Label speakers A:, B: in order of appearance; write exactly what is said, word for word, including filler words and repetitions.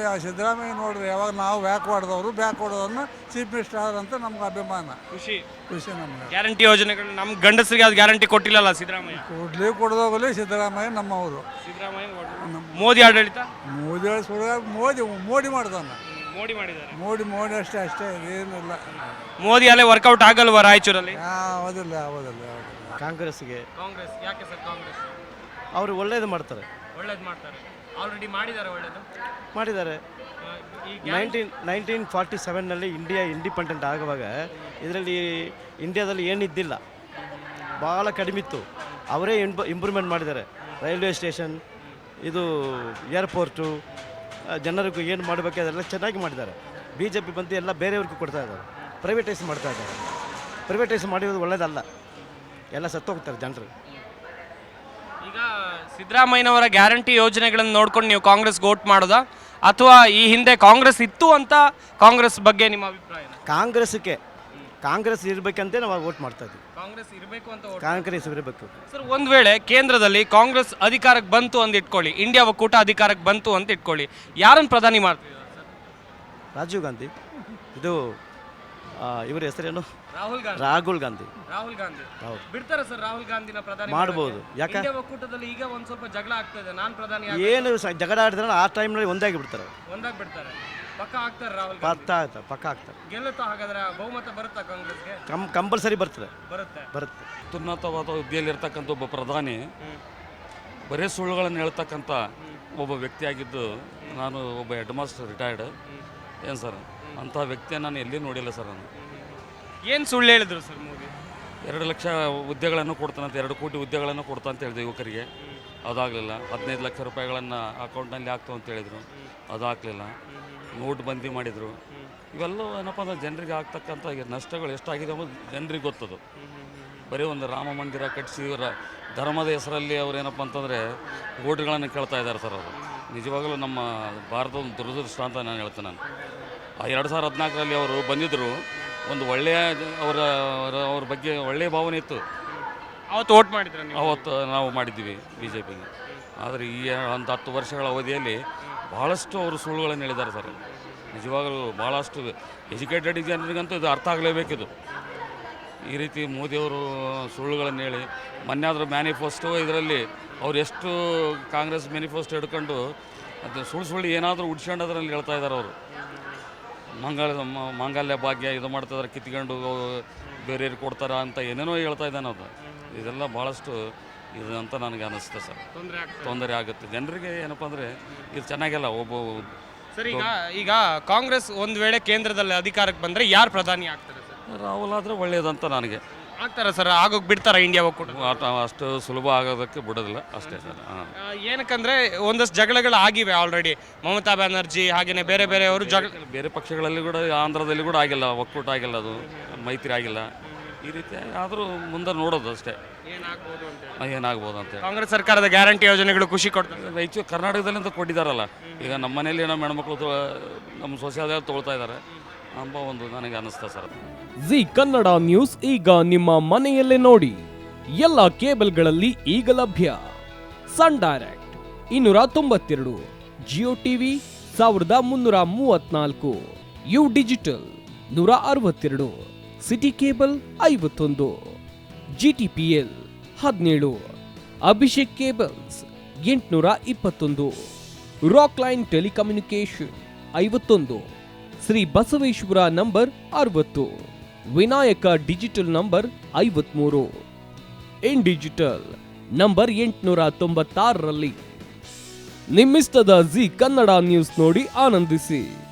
A: ಸಿದ್ದರಾಮಯ್ಯ ನೋಡಿದ್ರೆ ಯಾವಾಗ ನಾವು ಬ್ಯಾಕ್ ಹೊಡೆದವರು ಬ್ಯಾಕ್ ಹೊಡೆದವ್ರನ್ನ ಚೀಫ್ ಮಿನಿಸ್ಟರ್ ಅಂತ ನಮ್ಗೆ ಅಭಿಮಾನ,
B: ಖುಷಿ
A: ಖುಷಿ ನಮ್ಗೆ.
B: ಗ್ಯಾರಂಟಿ ಯೋಜನೆಗಳು ನಮ್ಮ ಗಂಡಸರಿಗೆ ಅದು ಗ್ಯಾರಂಟಿ ಕೊಟ್ಟಿಲ್ಲಲ್ಲ ಸಿದ್ದರಾಮಯ್ಯ.
A: ಕೊಡ್ಲಿ ಕೊಡ್ದೋಗಲಿ ಸಿದ್ದರಾಮಯ್ಯ ನಮ್ಮವರು.
B: ಸಿದ್ದರಾಮಯ್ಯ ಮೋದಿ ಆಡಳಿತ
A: ಮೋದಿ ಸುಳ್ಳ ಮೋದಿ ಮೋಡಿ ಮಾಡ್ದಾನ,
B: ಮೋಡಿ ಮಾಡಿದ್ದಾರೆ.
A: ಮೋಡಿ ಮೋಡಿ ಅಷ್ಟೇ ಅಷ್ಟೇ ಏನಿಲ್ಲ.
B: ಮೋದಿ ಅಲ್ಲೇ ವರ್ಕೌಟ್ ಆಗಲ್ವಾ ರಾಯಚೂರಲ್ಲಿ?
A: ಯಾವುದಿಲ್ಲ ಯಾವುದಿಲ್ಲ ಯಾವುದಿಲ್ಲ.
C: ಕಾಂಗ್ರೆಸ್ಗೆ.
B: ಕಾಂಗ್ರೆಸ್ ಯಾಕೆ ಸರ್ ಕಾಂಗ್ರೆಸ್?
C: ಅವರು ಒಳ್ಳೇದು ಮಾಡ್ತಾರೆ.
B: ಒಳ್ಳೇದು ಮಾಡ್ತಾರೆ, ಆಲ್ರೆಡಿ ಮಾಡಿದ್ದಾರೆ ಒಳ್ಳೇದು
C: ಮಾಡಿದ್ದಾರೆ. ನೈನ್ಟೀನ್ ನೈನ್ಟೀನ್ ಫಾರ್ಟಿ ಸೆವೆನ್ನಲ್ಲಿ ಇಂಡಿಯಾ ಇಂಡಿಪೆಂಡೆಂಟ್ ಆಗುವಾಗ ಇದರಲ್ಲಿ ಇಂಡಿಯಾದಲ್ಲಿ ಏನಿದ್ದಿಲ್ಲ, ಭಾಳ ಕಡಿಮೆ ಇತ್ತು. ಅವರೇ ಇಂಪ್ ಇಂಪ್ರೂವ್ಮೆಂಟ್ ಮಾಡಿದ್ದಾರೆ. ರೈಲ್ವೆ ಸ್ಟೇಷನ್, ಇದು ಏರ್ಪೋರ್ಟು, ಜನರಿಗೂ ಏನು ಮಾಡಬೇಕು ಅದೆಲ್ಲ ಚೆನ್ನಾಗಿ ಮಾಡಿದ್ದಾರೆ. ಬಿ ಜೆ ಪಿ ಬಂದು ಎಲ್ಲ ಬೇರೆಯವ್ರಿಗೂ ಕೊಡ್ತಾ ಇದ್ದಾರೆ, ಪ್ರೈವೇಟೈಸ್ ಮಾಡ್ತಾ ಇದ್ದಾರೆ. ಪ್ರೈವೇಟೈಸ್ ಮಾಡಿರೋದು ಒಳ್ಳೇದಲ್ಲ, ಎಲ್ಲ ಸತ್ತೋಗ್ತಾರೆ ಜನರು.
B: ಈಗ ಸಿದ್ದರಾಮಯ್ಯನವರ ಗ್ಯಾರಂಟಿ ಯೋಜನೆಗಳನ್ನು ನೋಡ್ಕೊಂಡು ನೀವು ಕಾಂಗ್ರೆಸ್ ವೋಟ್ ಮಾಡೋದಾ, ಅಥವಾ ಈ ಹಿಂದೆ ಕಾಂಗ್ರೆಸ್ ಇತ್ತು ಅಂತ ಕಾಂಗ್ರೆಸ್ ಬಗ್ಗೆ ನಿಮ್ಮ ಅಭಿಪ್ರಾಯ?
C: ಕಾಂಗ್ರೆಸ್ಗೆ ಕಾಂಗ್ರೆಸ್ ಇರಬೇಕಂತೆ ನಾವು ವೋಟ್ ಮಾಡ್ತಾ ಇದ್ದೀವಿ.
B: ಕಾಂಗ್ರೆಸ್ ಇರಬೇಕು ಅಂತ.
C: ಕಾಂಗ್ರೆಸ್ ಇರಬೇಕು
B: ಸರ್. ಒಂದು ವೇಳೆ ಕೇಂದ್ರದಲ್ಲಿ ಕಾಂಗ್ರೆಸ್ ಅಧಿಕಾರಕ್ಕೆ ಬಂತು ಅಂತ ಇಟ್ಕೊಳ್ಳಿ, ಇಂಡಿಯಾ ಒಕ್ಕೂಟ ಅಧಿಕಾರಕ್ಕೆ ಬಂತು ಅಂತ ಇಟ್ಕೊಳ್ಳಿ, ಯಾರನ್ನು ಪ್ರಧಾನಿ ಮಾಡ್ತೀವಿ?
C: ರಾಜೀವ್ ಗಾಂಧಿ, ಇದು ಇವ್ರ ಹೆಸರೇನು?
B: ರಾಹುಲ್ ಗಾಂಧಿ.
C: ರಾಹುಲ್ ಗಾಂಧಿ
B: ರಾಹುಲ್ ಗಾಂಧಿ
C: ಹೌದು,
B: ಬಿಡ್ತಾರೆ ಸರ್ ರಾಹುಲ್ ಗಾಂಧಿನ ಪ್ರಧಾನಿ
C: ಮಾಡ್ಬೋದು. ಯಾಕೆ?
B: ಇಂಡಿಯಾ ಒಕ್ಕೂಟದಲ್ಲಿ ಈಗ ಒಂದ್ ಸ್ವಲ್ಪ ಜಗಳ ಆಗ್ತಾ ಇದೆ, ನಾನ್ ಪ್ರಧಾನಿ
C: ಏನು ಸ- ಜಗಳ ಆಡಿದ್ರೆ ಆ ಟೈಮ್ನಲ್ಲಿ ಒಂದಾಗಿ ಬಿಡ್ತಾರೆ.
B: ಒಂದಾಗ್ ಬಿಡ್ತಾರೆ, ಪಕ್ಕ ಆಗ್ತಾರೆ ರಾಹುಲ್ ಗಾಂಧಿ.
C: ಪಕ್ಕ ಆಗ್ತಾರೆ, ಪಕ್ಕ ಆಗ್ತಾರೆ.
B: ಗೆಲ್ಲುತ್ತಾ ಹಾಗಾದ್ರೆ ಬಹುಮತ ಬರುತ್ತಾ ಕಾಂಗ್ರೆಸ್ಗೆ?
C: ಕಂ ಕಂಪಲ್ಸರಿ ಬರ್ತದೆ,
B: ಬರುತ್ತೆ
C: ಬರುತ್ತೆ.
D: ಉನ್ನತವಾದ ಹುದ್ದೆಯಲ್ಲಿರ್ತಕ್ಕಂಥ ಒಬ್ಬ ಪ್ರಧಾನಿ ಬರೀ ಸುಳ್ಳುಗಳನ್ನು ಹೇಳ್ತಕ್ಕಂಥ ಒಬ್ಬ ವ್ಯಕ್ತಿಯಾಗಿದ್ದು, ನಾನು ಒಬ್ಬ ಹೆಡ್ ಮಾಸ್ಟರ್ ರಿಟೈರ್ಡ್ ಏನು ಸರ್, ಅಂಥ ವ್ಯಕ್ತಿಯನ್ನು ನಾನು ಎಲ್ಲಿ ನೋಡಿಲ್ಲ ಸರ್. ನಾನು
B: ಏನ್ ಸುಳ್ಳು ಹೇಳಿದ್ರು ಸರ್ ಮೋದಿ?
D: ಎರಡು ಲಕ್ಷ ಹುದ್ದೆಗಳನ್ನು ಕೊಡ್ತಾನಂತ, ಎರಡು ಕೋಟಿ ಹುದ್ದೆಗಳನ್ನು ಕೊಡ್ತಾ ಅಂತ ಹೇಳಿದೆ ಯುವಕರಿಗೆ, ಅದಾಗಲಿಲ್ಲ. ಹದಿನೈದು ಲಕ್ಷ ರೂಪಾಯಿಗಳನ್ನು ಅಕೌಂಟ್ನಲ್ಲಿ ಹಾಕ್ತು ಅಂತ ಹೇಳಿದರು, ಅದು ಹಾಕಲಿಲ್ಲ. ನೋಟ್ ಬಂದಿ ಮಾಡಿದರು. ಇವೆಲ್ಲ ಏನಪ್ಪ ಅಂದ್ರೆ ಜನರಿಗೆ ಆಗ್ತಕ್ಕಂಥ ನಷ್ಟಗಳು ಎಷ್ಟಾಗಿದೆ ಅನ್ನೋದು ಜನರಿಗೆ ಗೊತ್ತದು. ಬರೀ ಒಂದು ರಾಮ ಮಂದಿರ ಕಟ್ಟಿಸಿ ಇವರ ಧರ್ಮದ ಹೆಸರಲ್ಲಿ ಅವ್ರು ಏನಪ್ಪ ಅಂತಂದರೆ ಓಟ್ಗಳನ್ನು ಕೇಳ್ತಾ ಇದ್ದಾರೆ ಸರ್. ಅವರು ನಿಜವಾಗಲೂ ನಮ್ಮ ಭಾರತದ ಒಂದು ದುರದೃಷ್ಟ ಅಂತ ನಾನು ಹೇಳ್ತೇನೆ. ನಾನು ಆ ಎರಡು ಸಾವಿರದ ಹದಿನಾಲ್ಕರಲ್ಲಿ ಅವರು ಬಂದಿದ್ದರು, ಒಂದು ಒಳ್ಳೆಯ ಅವರ ಅವ್ರ ಬಗ್ಗೆ ಒಳ್ಳೆಯ ಭಾವನೆ ಇತ್ತು.
B: ಅವತ್ತು ವೋಟ್ ಮಾಡಿದ್ರೆ
D: ಅವತ್ತು ನಾವು ಮಾಡಿದ್ದೀವಿ ಬಿ ಜೆ ಪಿಗೆ. ಆದರೆ ಈ ಒಂದು ಹತ್ತು ವರ್ಷಗಳ ಅವಧಿಯಲ್ಲಿ ಭಾಳಷ್ಟು ಅವರು ಸುಳ್ಳುಗಳನ್ನು ಹೇಳಿದ್ದಾರೆ ಸರ್. ನಿಜವಾಗಲೂ ಭಾಳಷ್ಟು ಎಜುಕೇಟೆಡ್ ಜನರಿಗಂತೂ ಇದು ಅರ್ಥ ಆಗಲೇಬೇಕಿದು. ಈ ರೀತಿ ಮೋದಿಯವರು ಸುಳ್ಳುಗಳನ್ನು ಹೇಳಿ ಮೊನ್ನೆ ಆದರೂ ಮ್ಯಾನಿಫೆಸ್ಟೋ ಇದರಲ್ಲಿ ಅವ್ರು ಎಷ್ಟು ಕಾಂಗ್ರೆಸ್ ಮ್ಯಾನಿಫೆಸ್ಟೋ ಹಿಡ್ಕೊಂಡು ಅದು ಸುಳ್ಳು ಸುಳ್ಳು ಏನಾದರೂ ಉಡ್ಸ್ಕೊಂಡು ಅದರಲ್ಲಿ ಹೇಳ್ತಾ ಇದ್ದಾರೆ ಅವರು. ಮಂಗಳ ಮಾಂಗಲ್ಯ ಭಾಗ್ಯ ಇದು ಮಾಡ್ತಿದ್ದಾರೆ, ಕಿತ್ಕೊಂಡು ಬೇರೆಯವ್ರಿಗೆ ಕೊಡ್ತಾರ ಅಂತ ಏನೇನೋ ಹೇಳ್ತಾ ಇದ್ದಾನೆ ಅದು. ಇದೆಲ್ಲ ಭಾಳಷ್ಟು ಇದು ಅಂತ ನನಗೆ ಅನ್ನಿಸುತ್ತೆ ಸರ್. ತೊಂದರೆ ಆಗುತ್ತೆ ಜನರಿಗೆ. ಏನಪ್ಪ ಅಂದರೆ ಇದು ಚೆನ್ನಾಗಿಲ್ಲ. ಒಬ್ಬ
B: ಸರ್ ಈಗ ಈಗ ಕಾಂಗ್ರೆಸ್ ಒಂದು ವೇಳೆ ಕೇಂದ್ರದಲ್ಲಿ ಅಧಿಕಾರಕ್ಕೆ ಬಂದರೆ ಯಾರು ಪ್ರಧಾನಿ ಆಗ್ತಾರೆ ಸರ್?
D: ರಾಹುಲ್ ಆದರೆ ಒಳ್ಳೆಯದಂತ ನನಗೆ.
B: ಆಗ್ತಾರೆ ಸರ್? ಆಗೋಗಿ ಬಿಡ್ತಾರ ಇಂಡಿಯಾ ಒಕ್ಕೂಟ?
D: ಅಷ್ಟು ಸುಲಭ ಆಗೋದಕ್ಕೆ ಬಿಡೋದಿಲ್ಲ ಅಷ್ಟೇ ಸರ್. ಹಾಂ,
B: ಏನಕ್ಕಂದ್ರೆ ಒಂದಷ್ಟು ಜಗಳಗಳು ಆಗಿವೆ ಆಲ್ರೆಡಿ. ಮಮತಾ ಬ್ಯಾನರ್ಜಿ ಹಾಗೆಯೇ ಬೇರೆ ಬೇರೆಯವರು ಜಗಳ,
D: ಬೇರೆ ಪಕ್ಷಗಳಲ್ಲಿ ಕೂಡ, ಆಂಧ್ರದಲ್ಲಿ ಕೂಡ ಆಗಿಲ್ಲ, ಒಕ್ಕೂಟ ಆಗಿಲ್ಲ, ಅದು ಮೈತ್ರಿ ಆಗಿಲ್ಲ. ಈ ರೀತಿ ಆದರೂ ಮುಂದೆ ನೋಡೋದು ಅಷ್ಟೇ
B: ಏನಾಗ್ಬೋದು ಅಂತ.
D: ಏನಾಗ್ಬೋದು ಅಂತೇಳಿ.
B: ಕಾಂಗ್ರೆಸ್ ಸರ್ಕಾರದ ಗ್ಯಾರಂಟಿ ಯೋಜನೆಗಳು ಖುಷಿ ಕೊಡ್ತಾರೆ.
D: ರಾಯಚೂರು ಕರ್ನಾಟಕದಲ್ಲಿಂದ ಕೊಟ್ಟಿದ್ದಾರಲ್ಲ. ಈಗ ನಮ್ಮ ಮನೆಯಲ್ಲಿ ನಮ್ಮ ಹೆಣ್ಮಕ್ಳು ನಮ್ಮ ಸೊಸೆಯಾದ ತೊಗೊಳ್ತಾ ಇದ್ದಾರೆ ಎಂಬ ಒಂದು ನನಗೆ ಅನ್ನಿಸ್ತಾ ಸರ್.
E: ಜಿ ಕನ್ನಡ ನ್ಯೂಸ್ ಈಗ ನಿಮ್ಮ ಮನೆಯಲ್ಲೇ ನೋಡಿ. ಎಲ್ಲ ಕೇಬಲ್ಗಳಲ್ಲಿ ಈಗ ಲಭ್ಯ. ಸನ್ ಡೈರೆಕ್ಟ್ ಇನ್ನೂರ ತೊಂಬತ್ತೆರಡು, ಜಿಯೋ ಟಿವಿ ಸಾವಿರದ ಮುನ್ನೂರ ಮೂವತ್ನಾಲ್ಕು, ಯು ಡಿಜಿಟಲ್ ನೂರ ಅರವತ್ತೆರಡು, ಸಿಟಿ ಕೇಬಲ್ ಐವತ್ತೊಂದು, ಜಿಟಿಪಿಎಲ್ ಹದಿನೇಳು, ಅಭಿಷೇಕ್ ಕೇಬಲ್ಸ್ ಎಂಟುನೂರ ಇಪ್ಪತ್ತೊಂದು, ರಾಕ್ ಲೈನ್ ಟೆಲಿಕಮ್ಯುನಿಕೇಶನ್ ಐವತ್ತೊಂದು, ಶ್ರೀ ಬಸವೇಶ್ವರ ನಂಬರ್ ಅರವತ್ತು, ವಿನಾಯಕ ಡಿಜಿಟಲ್ ನಂಬರ್ ಐವತ್ಮೂರು, ಇನ್ ಡಿಜಿಟಲ್ ನಂಬರ್ ಎಂಟುನೂರ ತೊಂಬತ್ತಾರರಲ್ಲಿ. ನಿಮ್ಮಿಸ್ತದ ಜಿ ಕನ್ನಡ ನ್ಯೂಸ್ ನೋಡಿ ಆನಂದಿಸಿ.